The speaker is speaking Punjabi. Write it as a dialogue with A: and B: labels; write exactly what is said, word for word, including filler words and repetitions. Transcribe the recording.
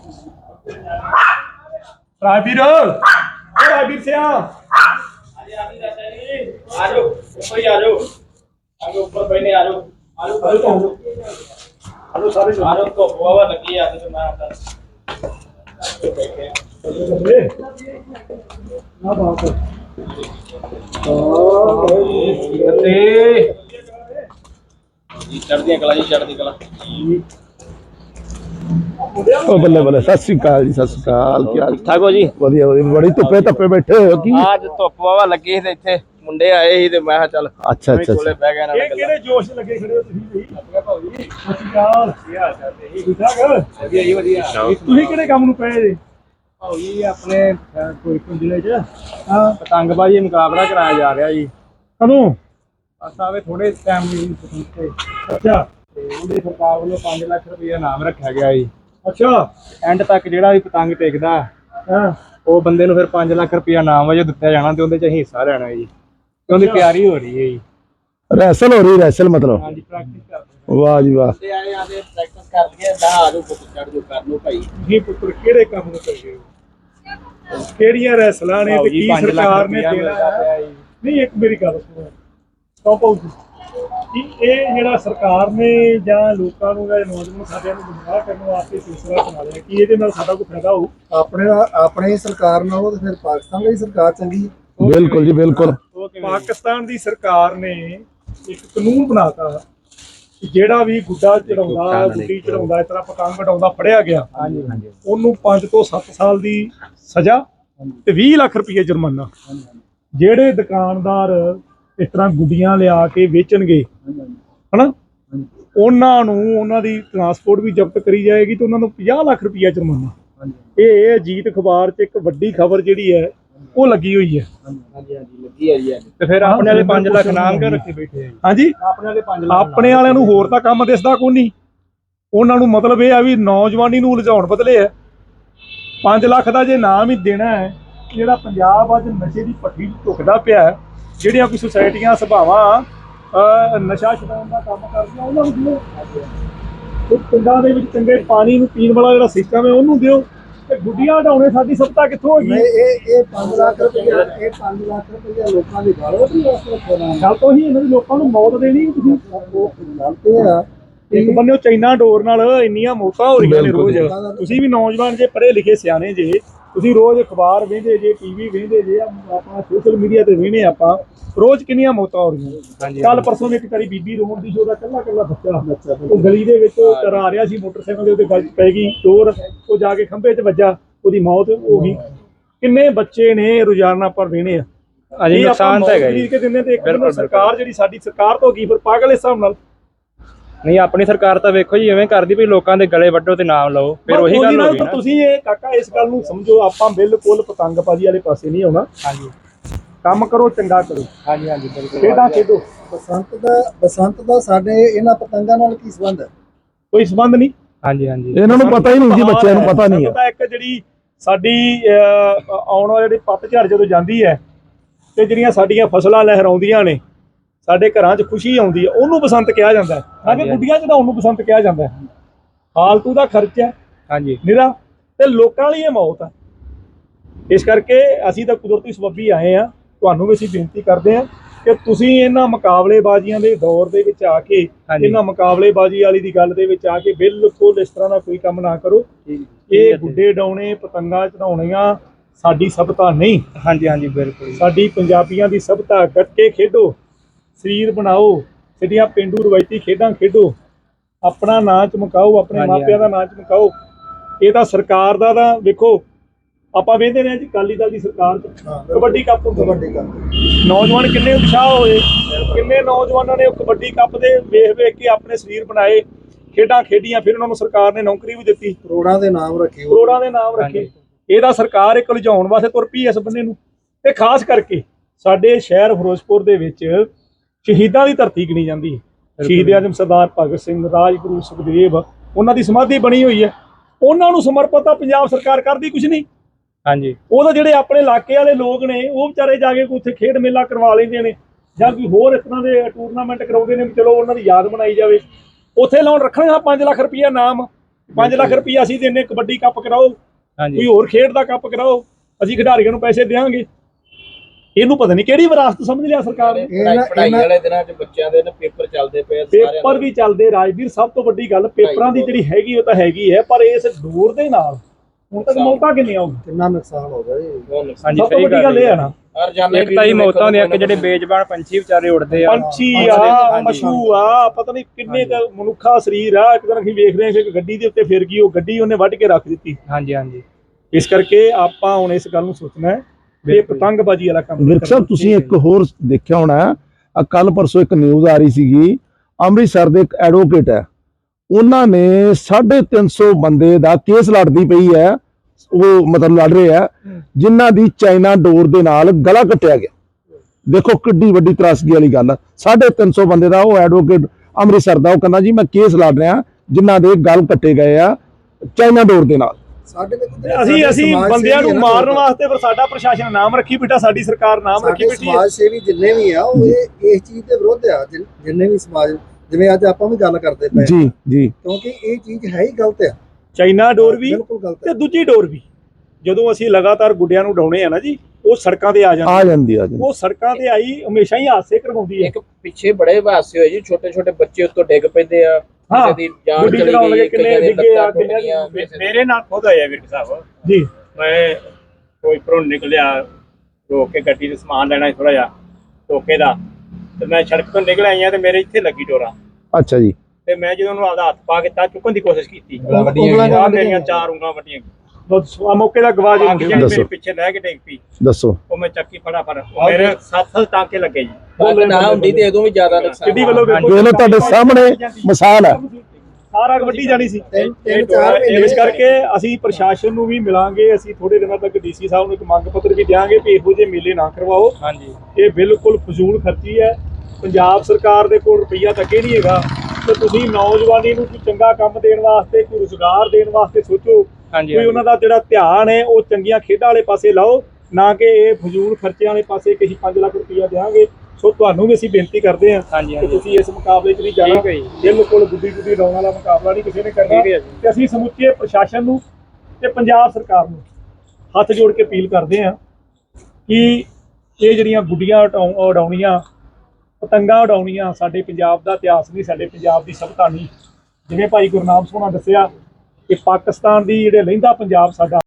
A: राजवीर राजवीर से आ जाओ ऊपर ही आ जाओ आगे ऊपर बैठने आ जाओ आ जाओ आ जाओ आ जाओ सारे आ जाओ तो हवा लगी है तो मैं आता ना बात है जी चढ़ती कला जी चढ़ती कला
B: ओ बल्ले बल्ले सत श्री अकाल जी सत श्री अकाल ਕੀ ਹਾਲ
A: ਠੀਕ ਹੋ ਜੀ
B: ਵਧੀਆ ਵਧੀਆ ਬੜੀ ਧੁੱਪੇ ਧੱਪੇ ਬੈਠੇ ਹੋ ਕੀ
A: ਅੱਜ ਧੁੱਪ ਵਾਵਾ ਲੱਗੀ ਤੇ ਇੱਥੇ ਮੁੰਡੇ ਆਏ ਸੀ ਤੇ ਮੈਂ ਕਿਹਾ ਚੱਲ
B: ਅੱਛਾ ਅੱਛਾ
A: ਕੋਲੇ ਬਹਿ ਗਿਆ ਨਾਲ
C: ਇਹ ਕਿਹੜੇ ਜੋਸ਼ ਲੱਗੇ ਖੜੇ ਹੋ ਤੁਸੀਂ ਜੀ ਭਾਉ ਜੀ ਸਤਿ ਸ਼੍ਰੀ ਅਕਾਲ ਕੀ ਹਾਲ ਚਾਲ ਹੈ ਠੀਕ ਠਾਕ ਵਧੀਆ ਜੀ ਵਧੀਆ ਤੁਸੀਂ ਕਿਹੜੇ ਕੰਮ ਨੂੰ ਪਏ ਜੀ ਭਾਉ ਜੀ ਆਪਣੇ ਕੋਈ ਜ਼ਿਲ੍ਹੇ 'ਚ ਹਾਂ ਪਤੰਗਬਾਜ਼ੀ ਮੁਕਾਬਲਾ ਕਰਾਇਆ ਜਾ ਰਿਹਾ ਜੀ ਕਦੋਂ ਬਸ ਆਵੇ ਥੋੜੇ ਟਾਈਮ ਦੀ ਤੇ ਅੱਛਾ ਤੇ ਉਹਦੇ ਸਰਕਾਰ ਵੱਲੋਂ ਪੰਜ ਲੱਖ ਰੁਪਏ ਇਨਾਮ ਰੱਖਿਆ ਗਿਆ ਜੀ ਅੱਛਾ ਐਂਡ ਤੱਕ ਜਿਹੜਾ ਵੀ ਪਤੰਗ ਟੇਕਦਾ ਹਾਂ ਉਹ ਬੰਦੇ ਨੂੰ ਫਿਰ ਪੰਜ ਲੱਖ ਰੁਪਏ ਇਨਾਮ ਵਜੋਂ ਦਿੱਤਾ ਜਾਣਾ ਤੇ ਉਹਦੇ 'ਚ ਹਿੱਸਾ ਲੈਣਾ ਜੀ ਉਹਦੀ ਤਿਆਰੀ ਹੋ ਰਹੀ ਹੈ ਜੀ
B: ਰੈਸਲ ਹੋ ਰਹੀ ਰੈਸਲ ਮਤਲਬ
C: ਹਾਂਜੀ ਪ੍ਰੈਕਟਿਸ ਕਰਦੇ
B: ਵਾਹ ਜੀ ਵਾਹ
A: ਤੇ ਆਏ ਆਦੇ ਪ੍ਰੈਕਟਿਸ ਕਰ ਲਈਏ ਦਾ ਆ ਜਾਓ ਪੁੱਤ ਚੜ ਜੋ ਕਰ ਲਓ ਭਾਈ
C: ਤੁਸੀਂ ਪੁੱਤਰ ਕਿਹੜੇ ਕੰਮ ਨੂੰ ਕਰਦੇ ਹੋ ਕਿਹੜੀਆਂ ਰੈਸਲਾਂ ਨੇ ਤੇ ਕੀ ਸਰਕਾਰ ਨੇ ਦੇਣਾ ਨਹੀਂ ਇੱਕ ਮੇਰੀ ਗੱਲ ਸੁਣੋ ਟੌਪ ਆਊਟ ਕਿ ਇਹ ਜਿਹੜਾ ਸਰਕਾਰ ਨੇ ਜਾਂ ਲੋਕਾਂ ਨੂੰ ਜਾਂ ਨੌਜਵਾਨ ਸਾਥੀਆਂ ਨੂੰ ਗੁੰਮਰਾਹ ਕਰਨ ਵਾਸਤੇ ਸਿਲਸਿਲਾ ਬਣਾ ਲਿਆ ਕਿ ਇਹਦੇ ਨਾਲ ਸਾਡਾ ਕੋਈ ਫਾਇਦਾ ਹੋਊ
D: ਆਪਣੇ ਆਪਣੇ ਸਰਕਾਰ ਨਾਲੋਂ ਤੇ ਫਿਰ ਪਾਕਿਸਤਾਨ ਦੀ ਸਰਕਾਰ ਚੰਗੀ ਹੈ।
B: ਬਿਲਕੁਲ ਜੀ ਬਿਲਕੁਲ
C: ਪਾਕਿਸਤਾਨ ਦੀ ਸਰਕਾਰ ਨੇ ਇੱਕ ਕਾਨੂੰਨ ਬਣਾਤਾ ਕਿ ਜਿਹੜਾ ਵੀ ਗੁੱਡਾ ਚੜਾਉਂਦਾ ਗੁੱਡੀ ਚੜਾਉਂਦਾ ਇਸ ਤਰ੍ਹਾਂ ਪਤੰਗ ਉਡਾਉਂਦਾ ਫੜਿਆ ਗਿਆ ਉਹਨੂੰ ਪੰਜ ਤੋਂ ਸੱਤ ਸਾਲ ਦੀ ਸਜ਼ਾ ਤੇ ਵੀਹ ਲੱਖ ਰੁਪਏ ਜੁਰਮਾਨਾ। ਜਿਹੜੇ ਦੁਕਾਨਦਾਰ ਇਸ ਤਰ੍ਹਾਂ ਗੁੱਡੀਆਂ ਲਿਆ ਕੇ ਵੇਚਣਗੇ ਹਨਾ ਉਹਨਾਂ ਨੂੰ ਉਹਨਾਂ ਦੀ ਟਰਾਂਸਪੋਰਟ ਵੀ ਜ਼ਬਤ ਕਰੀ ਜਾਏਗੀ ਤੇ ਉਹਨਾਂ ਨੂੰ ਪੰਜਾਹ ਲੱਖ ਰੁਪਏ ਜੁਰਮਾਨਾ। ਇਹ ਅਜੀਤ ਅਖਬਾਰ 'ਚ ਇੱਕ ਵੱਡੀ ਖਬਰ ਜਿਹੜੀ ਹੈ ਉਹ ਲੱਗੀ ਹੋਈ ਹੈ।
A: ਹਾਂਜੀ ਹਾਂਜੀ ਲੱਗੀ ਹੈ ਜੀ
C: ਤੇ ਫਿਰ ਆਪਣੇ ਵਾਲੇ ਪੰਜ ਲੱਖ ਨਾਮ ਕੇ ਰੱਖੇ ਬੈਠੇ ਆ ਹਾਂਜੀ
A: ਆਪਣੇ ਵਾਲੇ ਪੰਜ ਲੱਖ
C: ਆਪਣੇ ਵਾਲਿਆਂ ਨੂੰ ਹੋਰ ਤਾਂ ਕੰਮ ਦਿਸਦਾ ਕੋਈ ਨਹੀਂ। ਉਹਨਾਂ ਨੂੰ ਮਤਲਬ ਇਹ ਆ ਵੀ ਨੌਜਵਾਨੀ ਨੂੰ ਲਜਾਉਣ ਬਦਲੇ ਹੈ ਪੰਜ ਲੱਖ ਦਾ ਜੇ ਨਾਮ ਹੀ ਦੇਣਾ ਹੈ। ਜਿਹੜਾ ਪੰਜਾਬ ਅੱਜ ਨਸ਼ੇ ਦੀ ਭੱਠੀ ਝੁਕਦਾ ਪਿਆ, ਜਿਹੜੀਆਂ ਕੋਈ ਸੁਸਾਇਟੀਆਂ ਸਭਾਵਾਂ ਨਸ਼ਾ ਛਡਾਉਣ ਦਾ ਕੰਮ ਕਰਦੀਆਂ ਉਹਨਾਂ ਨੂੰ ਦਿਓ। ਪਿੰਡਾਂ ਦੇ ਵਿੱਚ ਚੰਗੇ ਪਾਣੀ ਨੂੰ ਪੀਣ ਵਾਲਾ ਜਿਹੜਾ ਸਿਸਟਮ ਹੈ ਉਹਨੂੰ ਦਿਓ। ਤੇ ਗੁੱਡੀਆਂ ਉਡਾਉਣੇ ਸਾਡੀ ਸੱਤਾ ਕਿੱਥੋਂ ਹੈਗੀ?
D: ਇਹ ਇਹ ਪੰਜ ਲੱਖ ਰੁਪਏ ਇਹ ਪੰਜ ਲੱਖ ਰੁਪਏ ਲੋਕਾਂ ਦੀ ਗਾਲੋ ਦੀ ਵਾਸਤੇ ਖੋਣਾ
C: ਗੱਲ ਤੋਂ ਹੀ ਇਹਨਾਂ ਦੇ ਲੋਕਾਂ ਨੂੰ ਮੌਤ ਦੇਣੀ ਤੁਸੀਂ।
D: ਗੱਲ ਤੇ ਆ
C: ਇੱਕ ਬੰਦੇ ਚਾਈਨਾ ਡੋਰ ਨਾਲ ਇੰਨੀਆਂ ਮੌਤਾਂ ਹੋ ਰਹੀਆਂ ਨੇ ਰੋਜ਼। ਤੁਸੀਂ ਵੀ ਨੌਜਵਾਨ ਜੇ ਪੜ੍ਹੇ ਲਿਖੇ ਸਿਆਣੇ ਜੇ, ਤੁਸੀਂ ਰੋਜ਼ ਅਖਬਾਰ ਵੇਖਦੇ ਜੇ, ਟੀਵੀ ਵੇਖਦੇ ਜੇ, ਆਪਣਾ ਸੋਸ਼ਲ ਮੀਡੀਆ ਤੇ ਵੇਖਦੇ ਆਪਾਂ ਰੋਜ਼ ਕਿੰਨੀਆਂ ਮੌਤਾਂ ਹੋ ਰਹੀਆਂ। ਕੱਲ ਪਰਸੋਂ ਇੱਕ ਤਾਰੀ ਬੀਬੀ ਰੋਣ ਦੀ ਉਹਦਾ ਕੱਲਾ ਕੱਲਾ ਬੱਚਾ ਉਹ ਗਲੀ ਦੇ ਵਿੱਚ ਟਰਾ ਰਿਹਾ ਸੀ ਮੋਟਰਸਾਈਕਲ ਦੇ, ਉਹਦੇ ਗਲ 'ਚ ਪੈ ਗਈ ਡੋਰ, ਉਹ ਜਾ ਕੇ ਖੰਭੇ 'ਚ ਵੱਜਾ, ਉਹਦੀ ਮੌਤ ਹੋ ਗਈ। ਕਿੰਨੇ ਬੱਚੇ ਨੇ ਰੋਜ਼ਾਨਾ ਪਰ ਵੇਖਦੇ ਆ।
A: ਅਜੇ ਨੁਕਸਾਨ ਤਾਂ ਹੈਗਾ ਜੀ।
C: ਦਿੰਦੇ ਤੇ ਇੱਕ ਸਰਕਾਰ ਜਿਹੜੀ ਸਾਡੀ ਸਰਕਾਰ ਤੋਂ ਕੀ ਫਿਰ ਪਾਗਲ ਇਸ ਹਿਸਾਬ ਨਾਲ
A: ਨਹੀਂ। ਆਪਣੀ ਸਰਕਾਰ ਤਾਂ ਵੇਖੋ ਜੀ ਐਵੇਂ ਕਰਦੀ ਵੀ ਲੋਕਾਂ ਦੇ ਗਲੇ ਵੱਢੋ ਤੇ ਨਾਮ ਲਓ, ਫਿਰ ਉਹੀ ਗੱਲ ਹੋ ਗਈ ਨਾ।
C: ਤੁਸੀਂ ਇਹ ਕਾਕਾ ਇਸ ਗੱਲ ਨੂੰ ਸਮਝੋ, ਆਪਾਂ ਬਿਲਕੁਲ ਪਤੰਗਬਾਜ਼ੀ ਵਾਲੇ ਪਾਸੇ ਨਹੀਂ ਆਉਣਾ।
A: ਹਾਂਜੀ
C: ਕੰਮ ਕਰੋ, ਚੰਗਾ ਕਰੋ।
A: ਹਾਂਜੀ ਹਾਂਜੀ ਬਿਲਕੁਲ।
C: ਖੇਡਾਂ ਖੇਡੋ।
D: ਬਸੰਤ ਦਾ ਬਸੰਤ ਦਾ ਸਾਡੇ ਇਹਨਾਂ ਪਤੰਗਾਂ ਨਾਲ ਕੀ ਸੰਬੰਧ ਹੈ?
C: ਕੋਈ ਸੰਬੰਧ ਨਹੀਂ।
A: ਹਾਂਜੀ ਹਾਂਜੀ
B: ਇਹਨਾਂ ਨੂੰ ਪਤਾ ਹੀ ਨਹੀਂ ਜੀ, ਬੱਚਿਆਂ ਨੂੰ ਪਤਾ ਨਹੀਂ ਹੈ।
C: ਇੱਕ ਜਿਹੜੀ ਸਾਡੀ ਆਉਣ ਵਾਲੀ ਜਿਹੜੀ ਪੱਤਝੜ ਜਦੋਂ ਜਾਂਦੀ ਹੈ ਤੇ ਜਿਹੜੀਆਂ ਸਾਡੀਆਂ ਫਸਲਾਂ ਲਹਿਰਾਉਂਦੀਆਂ ਨੇ, ਸਾਡੇ ਘਰਾਂ 'ਚ ਖੁਸ਼ੀ ਆਉਂਦੀ ਹੈ, ਉਹਨੂੰ ਬਸੰਤ ਕਿਹਾ ਜਾਂਦਾ ਹੈ। ਨਾ ਕਿ ਗੁੱਡੀਆਂ ਚੜਾਉਣ ਨੂੰ ਬਸੰਤ ਕਿਹਾ ਜਾਂਦਾ ਹੈ। ਫਾਲਤੂ ਦਾ ਖਰਚਾ
A: ਹਾਂਜੀ
C: ਨਿਰਾ ਤੇ ਲੋਕਾਂ ਲਈ ਇਹ ਮੌਤ ਹੈ। ਇਸ ਕਰਕੇ ਅਸੀਂ ਤਾਂ ਕੁਦਰਤੀ ਸਬੱਬੀ ਆਏ ਆ। ਤੁਹਾਨੂੰ ਵੀ ਅਸੀਂ ਬੇਨਤੀ ਕਰਦੇ ਹਾਂ ਕਿ ਤੁਸੀਂ ਇਹਨਾਂ ਮੁਕਾਬਲੇਬਾਜ਼ੀਆਂ ਦੇ ਦੌਰ ਦੇ ਵਿੱਚ ਆ ਕੇ, ਇਹਨਾਂ ਮੁਕਾਬਲੇਬਾਜ਼ੀ ਵਾਲੀ ਦੀ ਗੱਲ ਦੇ ਵਿੱਚ ਆ ਕੇ ਬਿਲਕੁਲ ਇਸ ਤਰ੍ਹਾਂ ਦਾ ਕੋਈ ਕੰਮ ਨਾ ਕਰੋ। ਇਹ ਗੁੱਡੇ ਡਾਉਣੇ, ਪਤੰਗਾਂ ਚੜਾਉਣੀਆਂ ਸਾਡੀ ਸਭਤਾ ਨਹੀਂ।
A: ਹਾਂਜੀ ਹਾਂਜੀ ਬਿਲਕੁਲ।
C: ਸਾਡੀ ਪੰਜਾਬੀਆਂ ਦੀ ਸਭਤਾ। ਗੱਟਕੇ ਖੇਡੋ, ਸਰੀਰ ਬਣਾਓ, ਜਿਹੜੀਆਂ ਪੇਂਡੂ ਰਵਾਇਤੀ ਖੇਡਾਂ ਖੇਡੋ, ਆਪਣਾ ਨਾਂ ਚਮਕਾਓ, ਆਪਣੇ ਮਾਪਿਆਂ ਦਾ ਨਾਂ ਚਮਕਾਓ। ਇਹ ਤਾਂ ਸਰਕਾਰ ਦਾ ਤਾਂ ਵੇਖੋ, ਆਪਾਂ ਵੇਖਦੇ ਰਹੇ ਜੀ ਅਕਾਲੀ ਦਲ ਦੀ ਸਰਕਾਰ 'ਚ ਕਬੱਡੀ ਕੱਪ
D: ਕਬੱਡੀ ਕੱਪ
C: ਨੌਜਵਾਨ ਕਿੰਨੇ ਉਤਸ਼ਾਹ ਹੋਏ, ਕਿੰਨੇ ਨੌਜਵਾਨਾਂ ਨੇ ਉਹ ਕਬੱਡੀ ਕੱਪ ਦੇ ਵੇਖ ਵੇਖ ਕੇ ਆਪਣੇ ਸਰੀਰ ਬਣਾਏ, ਖੇਡਾਂ ਖੇਡੀਆਂ, ਫਿਰ ਉਹਨਾਂ ਨੂੰ ਸਰਕਾਰ ਨੇ ਨੌਕਰੀ ਵੀ ਦਿੱਤੀ,
D: ਕਰੋੜਾਂ ਦੇ ਨਾਮ ਰੱਖੇ
C: ਕਰੋੜਾਂ ਦੇ ਨਾਮ ਰੱਖੇ। ਇਹਦਾ ਸਰਕਾਰ ਇੱਕ ਲੁਝਾਉਣ ਵਾਸਤੇ ਤੁਰ ਪਈ ਇਸ ਬੰਦੇ ਨੂੰ। ਤੇ ਖਾਸ ਕਰਕੇ ਸਾਡੇ ਸ਼ਹਿਰ ਫਿਰੋਜ਼ਪੁਰ ਦੇ ਵਿੱਚ ਸ਼ਹੀਦਾਂ ਦੀ ਧਰਤੀ ਗਿਣੀ ਜਾਂਦੀ ਹੈ। ਸ਼ਹੀਦ ਆਜ਼ਮ ਸਰਦਾਰ ਭਗਤ ਸਿੰਘ, ਰਾਜਗੁਰੂ, ਸੁਖਦੇਵ, ਉਹਨਾਂ ਦੀ ਸਮਾਧੀ ਬਣੀ ਹੋਈ ਹੈ। ਉਹਨਾਂ ਨੂੰ ਸਮਰਪਿਤ ਆ ਪੰਜਾਬ ਸਰਕਾਰ ਕਰਦੀ ਕੁਛ ਨਹੀਂ।
A: ਹਾਂਜੀ
C: ਉਹ ਤਾਂ ਜਿਹੜੇ ਆਪਣੇ ਇਲਾਕੇ ਵਾਲੇ ਲੋਕ ਨੇ ਉਹ ਵਿਚਾਰੇ ਜਾ ਕੇ ਉੱਥੇ ਖੇਡ ਮੇਲਾ ਕਰਵਾ ਲੈਂਦੇ ਨੇ ਜਾਂ ਕੋਈ ਹੋਰ ਇਸ ਤਰ੍ਹਾਂ ਦੇ ਟੂਰਨਾਮੈਂਟ ਕਰਾਉਂਦੇ ਨੇ, ਚਲੋ ਉਹਨਾਂ ਦੀ ਯਾਦ ਬਣਾਈ ਜਾਵੇ। ਉੱਥੇ ਲਾਉਣ ਰੱਖਣਾ ਪੰਜ ਲੱਖ ਰੁਪਈਆ ਨਾਮ, ਪੰਜ ਲੱਖ ਰੁਪਈਆ ਅਸੀਂ ਦਿੰਨੇ, ਕਬੱਡੀ ਕੱਪ ਕਰਾਓ,
A: ਹਾਂਜੀ
C: ਕੋਈ ਹੋਰ ਖੇਡ ਦਾ ਕੱਪ ਕਰਾਓ, ਅਸੀਂ ਖਿਡਾਰੀਆਂ ਨੂੰ ਪੈਸੇ ਦੇਵਾਂਗੇ। ਇਹਨੂੰ ਪਤਾ ਨਹੀਂ ਕਿਹੜੀ ਵਿਰਾਸਤ ਸਮਝ ਲਿਆ ਸਰਕਾਰ ਨੇ।
D: ਇਹਨਾਂ-
A: ਪੜਾਈ
D: ਇਹਨਾਂ-
A: ਵਾਲੇ ਦਿਨਾਂ 'ਚ ਬੱਚਿਆਂ ਦੇ ਨਾ ਪੇਪਰ ਚੱਲਦੇ ਪਏ ਆ ਸਾਰਿਆਂ ਦੇ।
C: ਪੇਪਰ ਵੀ ਚੱਲਦੇ ਰਾਜਵੀਰ, ਸਭ ਤੋਂ ਵੱਡੀ ਗੱਲ ਪੇਪਰਾਂ ਦੀ ਜਿਹੜੀ ਹੈਗੀ ਉਹ ਤਾਂ ਹੈਗੀ ਹੈ, ਪਰ ਇਸ ਡੋਰ ਦੇ ਨਾਲ ਹੁਣ ਤੱਕ ਮੌਤਾਂ ਕਿੰਨੀਆਂ ਹੋ ਗਈਆਂ।
D: ਕਿੰਨਾ ਨੁਕਸਾਨ ਹੋ ਗਿਆ ਜੀ।
A: ਬਹੁਤ ਨੁਕਸਾਨ।
C: ਸਭ ਤੋਂ ਵੱਡੀ ਗੱਲ ਇਹ ਹੈ ਨਾ,
A: ਹਰ ਜਾਨੇ
E: ਇੱਕ ਤਾਂ ਹੀ ਮੌਤਾਂ ਹੁੰਦੀਆਂ, ਇੱਕ ਜਿਹੜੇ ਬੇਜ਼ਬਾਨ ਪੰਛੀ ਵਿਚਾਰੇ ਉੜਦੇ ਆ,
C: ਪੰਛੀ
E: ਹਾਂਜੀ,
C: ਆ,
E: ਹਾਂਜੀ।
C: ਪਸ਼ੂ ਆ, ਪਤਾ ਨਹੀਂ ਕਿੰਨੇ ਕੁ ਮਨੁੱਖਾ ਸਰੀਰ ਆ। ਇੱਕ ਦਿਨ ਅਸੀਂ ਵੇਖ ਰਹੇ ਹਾਂ ਕਿ ਗੱਡੀ ਦੇ ਉੱਤੇ ਫਿਰ ਗਈ, ਉਹ ਗੱਡੀ ਉਹਨੇ ਵੱਢ ਕੇ ਰੱਖ ਦਿੱਤੀ।
E: ਹਾਂਜੀ ਹਾਂਜੀ
C: ਇਸ ਕਰਕੇ ਆਪਾਂ ਹੁਣ ਇਸ ਗੱਲ ਨੂੰ ਸੋਚਣਾ ਹੈ ਕਿ ਇਹ ਪਤੰਗਬਾਜ਼ੀ ਵਾਲਾ ਕੰਮ
B: ਵਿਰਕ ਸਾਹਿਬ ਤੁਸੀਂ ਇੱਕ ਹੋਰ ਦੇਖਿਆ ਹੋਣਾ, ਕੱਲ ਪਰਸੋਂ ਇੱਕ ਨਿਊਜ਼ ਆ ਰਹੀ ਸੀਗੀ, ਅੰਮ੍ਰਿਤਸਰ ਦੇ ਇੱਕ ਐਡਵੋਕੇਟ ਹੈ, ਉਹਨਾਂ ਨੇ ਸਾਢੇ ਤਿੰਨ ਸੌ ਬੰਦੇ ਦਾ ਕੇਸ ਲੜਦੀ ਪਈ ਹੈ, ਉਹ ਮਤਲਬ ਲੜ ਰਹੇ ਆ, ਜਿਨ੍ਹਾਂ ਦੀ ਚਾਈਨਾ ਡੋਰ ਦੇ ਨਾਲ ਗਲਾ ਕੱਟਿਆ ਗਿਆ। ਦੇਖੋ ਕਿੱਡੀ ਵੱਡੀ ਤਰਾਸਦੀ ਵਾਲੀ ਗੱਲ ਆ। ਸਾਢੇ ਤਿੰਨ ਸੌ ਬੰਦੇ ਦਾ ਉਹ ਐਡਵੋਕੇਟ ਅੰਮ੍ਰਿਤਸਰ ਦਾ, ਉਹ ਕਹਿੰਦਾ ਜੀ ਮੈਂ ਕੇਸ ਲੜ ਰਿਹਾ ਜਿਨ੍ਹਾਂ ਦੇ ਗਲ ਕੱਟੇ ਗਏ ਆ ਚਾਈਨਾ ਡੋਰ ਦੇ ਨਾਲ।
D: ਸਾਡੇ ਤੇ
C: ਤੇ ਅਸੀਂ ਅਸੀਂ ਬੰਦਿਆਂ ਨੂੰ ਮਾਰਨ ਵਾਸਤੇ ਪਰ ਸਾਡਾ ਪ੍ਰਸ਼ਾਸਨ ਨਾਮ ਰੱਖੀ ਬੈਠਾ, ਸਾਡੀ ਸਰਕਾਰ ਨਾਮ ਰੱਖੀ
D: ਸਾਡੇ
C: ਬੈਠੀ ਹੈ।
D: ਸਮਾਜ ਸੇਵੀ ਜਿੰਨੇ ਵੀ ਆ ਉਹ ਇਹ ਇਸ ਚੀਜ਼ ਦੇ ਵਿਰੁੱਧ ਆ। ਜਿਨ- ਜਿੰਨੇ ਵੀ ਸਮਾਜ, ਜਿਵੇਂ ਅੱਜ ਆਪਾਂ ਵੀ ਗੱਲ ਕਰਦੇ ਪਏ,
B: ਜੀ ਜੀ
D: ਕਿਉਂਕਿ ਇਹ ਚੀਜ਼ ਹੈ ਹੀ ਗਲਤ ਆ,
C: ਚਾਈਨਾ ਡੋਰ ਵੀ
D: ਬਿਲਕੁਲ ਗਲਤ
C: ਤੇ
D: ਆ।
C: ਦੂਜੀ ਡੋਰ ਵੀ, ਜਦੋਂ ਅਸੀਂ ਲਗਾਤਾਰ ਗੁੱਡਿਆਂ ਨੂੰ ਉਡਾਉਣੇ ਆ ਨਾ ਜੀ, ਉਹ ਸੜਕਾਂ ਤੇ ਆ
B: ਆ
C: ਜਾਂਦੀ,
B: ਜਾਂਦੀ ਆ ਜਾਂਦੀ
C: ਉਹ ਸੜਕਾਂ ਤੇ ਆਈ ਹਮੇਸ਼ਾ ਹੀ ਹਾਦਸੇ ਕਰਵਾਉਂਦੀ ਹੈ।
A: ਇੱਕ ਪਿੱਛੇ ਬੜੇ ਹਾਦਸੇ ਹੋਏ ਜੀ, ਛੋਟੇ ਛੋਟੇ ਬੱਚੇ ਉੱਤੋਂ ਡਿੱਗ ਪੈਂਦੇ ਆ,
C: ਹਾਂ,
A: ਕਿਸੇ ਦੀ ਜਾਨ
C: ਗੁੱਡੀ
A: ਚਲੀ
C: ਚਲਾਉਣ ਲੱਗੇ
A: ਗਈ,
C: ਕਿੰਨੇ
A: ਕਈਆਂ ਦੇ
C: ਡਿੱਗੇ ਆ,
A: ਲੱਤਾਂ
C: ਕਿੰਨਿਆਂ ਦੀ-
A: ਟੁੱਟ ਗਈਆਂ।
F: ਮੇਰੇ ਨਾਲ ਖੁਦ ਹੋਇਆ ਵੀਰ ਸਾਹਿਬ।
C: ਜੀ
F: ਮੈਂ ਕੋਈ ਪਰੋਂ ਨਿਕਲਿਆ, ਰੋਕ ਕੇ ਗੱਡੀ ਦੇ ਸਮਾਨ ਲੈਣਾ ਥੋੜਾ ਜਿਹਾ ਟੋਕੇ ਦਾ, ਤੇ ਮੈਂ ਸੜਕ ਤੋਂ ਨਿਕਲ ਆਈਆਂ ਤੇ ਮੇਰੇ ਇੱਥੇ ਲੱਗੀ ਡੋਰਾ,
B: ਅੱਛਾ ਜੀ।
F: ਤੇ ਮੈਂ ਜਦੋਂ ਉਹਨੂੰ ਆਪਦਾ ਹੱਥ ਪਾ ਕੇ ਤਾਂ ਚੁੱਕਣ ਦੀ ਕੋਸ਼ਿਸ਼ ਕੀਤੀ,
D: ਉਂਗਲਾਂ
F: ਆਹ ਮੇਰੀਆਂ ਚਾਰ ਉਂਗਲਾਂ ਵੱਡੀਆਂ
C: ਬਸ ਆਹ ਮੌਕੇ ਦਾ ਗਵਾਹ ਜੀ
F: ਅੱਗ
C: ਹੁੰਦੇ
F: ਜਿਹੜੀ
C: ਆ।
B: ਦੱਸੋ।
F: ਮੇਰੇ ਪਿੱਛੇ ਲੈ ਕੇ ਡਿੱਗ ਪਈ,
B: ਦੱਸੋ
F: ਉਹ ਮੈਂ ਚੱਕੀ ਫੜਾ ਫੜ, ਉਹ ਮੇਰੇ ਸੱਤ ਸੱਤ ਟਾਂਕੇ ਲੱਗੇ ਜੀ।
A: ਅੱਗ ਨਾ ਹੁੰਦੀ ਤੇ ਉਦੋਂ ਵੀ ਜ਼ਿਆਦਾ ਨੁਕਸਾਨ।
C: ਕਿੱਡੀ ਵੱਲੋਂ ਵੇਖੋ,
B: ਵੇਖ ਲਓ ਤੁਹਾਡੇ ਸਾਹਮਣੇ ਮਿਸਾਲ ਹੈ।
C: ਸਾਰਾ ਵੱਡੀ ਜਾਣੀ ਸੀ।
D: ਤਿੰਨ ਤਿੰਨ ਚਾਰ
C: ਇਸ
D: ਮਹੀਨੇ
C: ਕਰਕੇ ਅਸੀਂ ਪ੍ਰਸ਼ਾਸਨ ਨੂੰ ਵੀ ਮਿਲਾਂਗੇ, ਅਸੀਂ ਥੋੜੇ ਦਿਨਾਂ ਤੱਕ ਡੀਸੀ ਸਾਹਿਬ ਨੂੰ ਇੱਕ ਮੰਗ ਪੱਤਰ ਵੀ ਦਿਆਂਗੇ ਵੀ ਇਹੋ ਜਿਹੇ ਮੇਲੇ ਨਾ ਕਰਵਾਓ।
E: ਹਾਂਜੀ
C: ਇਹ ਬਿਲਕੁਲ ਫਜ਼ੂਲ ਖਰਚੀ ਹੈ। ਪੰਜਾਬ ਸਰਕਾਰ ਦੇ ਕੋਲ ਰੁਪਈਆ ਤਾਂ ਅੱਗੇ ਨਹੀਂ ਹੈਗਾ, ਤੇ ਤੁਸੀਂ ਨੌਜਵਾਨੀ ਨੂੰ ਕੋਈ ਚੰਗਾ ਕੰਮ ਦੇਣ ਵਾਸਤੇ, ਕੋਈ ਰੁਜ਼ਗਾਰ ਦੇਣ ਵਾਸਤੇ ਸੋਚੋ।
E: ਹਾਂਜੀ
C: ਕੋਈ ਉਹਨਾਂ ਦਾ ਜਿਹੜਾ ਧਿਆਨ ਹੈ ਉਹ ਚੰਗੀਆਂ ਖੇਡਾਂ ਵਾਲੇ ਪਾਸੇ ਲਾਓ, ਨਾ ਕਿ ਇਹ ਫਜ਼ੂਲ ਖਰਚਿਆਂ ਵਾਲੇ ਪਾਸੇ ਕਿ ਅਸੀਂ ਪੰਜ ਲੱਖ ਰੁਪਈਆ ਦੇਵਾਂਗੇ। ਸੋ ਤੁਹਾਨੂੰ ਵੀ ਅਸੀਂ ਬੇਨਤੀ ਕਰਦੇ ਹਾਂ
E: ਹਾਂਜੀ
C: ਕਿ
E: ਹਾਂਜੀ
C: ਤੁਸੀਂ ਇਸ ਮੁਕਾਬਲੇ 'ਚ ਨਹੀਂ ਜਾਣਾ।
E: ਠੀਕ ਹੈ ਜੀ।
C: ਬਿਲਕੁਲ ਗੁੱਡੀ ਗੁੱਡੀ ਉਡਾਉਣ ਵਾਲਾ ਮੁਕਾਬਲਾ ਨਹੀਂ ਕਿਸੇ ਨੇ ਕਰਨਾ।
E: ਠੀਕ ਹੈ ਜੀ।
C: ਤੇ ਅਸੀਂ ਸਮੁੱਚੇ ਪ੍ਰਸ਼ਾਸਨ ਨੂੰ ਤੇ ਪੰਜਾਬ ਸਰਕਾਰ ਨੂੰ ਹੱਥ ਜੋੜ ਕੇ ਅਪੀਲ ਕਰਦੇ ਹਾਂ ਕਿ ਇਹ ਜਿਹੜੀਆਂ ਗੁੱਡੀਆਂ ਉਡਾਉ- ਉਡਾਉਣੀਆਂ, ਪਤੰਗਾਂ ਉਡਾਉਣੀਆਂ ਸਾਡੇ ਪੰਜਾਬ ਦਾ ਇਤਿਹਾਸ ਨਹੀਂ, ਸਾਡੇ ਪੰਜਾਬ ਦੀ ਸਭਤਾ ਨਹੀਂ। ਜਿਵੇਂ ਭਾਈ ਗੁਰਨਾਮ ਸੋਹਣਾ ਦੱਸਿਆ ਕਿ ਪਾਕਿਸਤਾਨ ਦੀ ਜਿਹੜੇ ਲਹਿੰਦਾ ਪੰਜਾਬ ਸਾਡਾ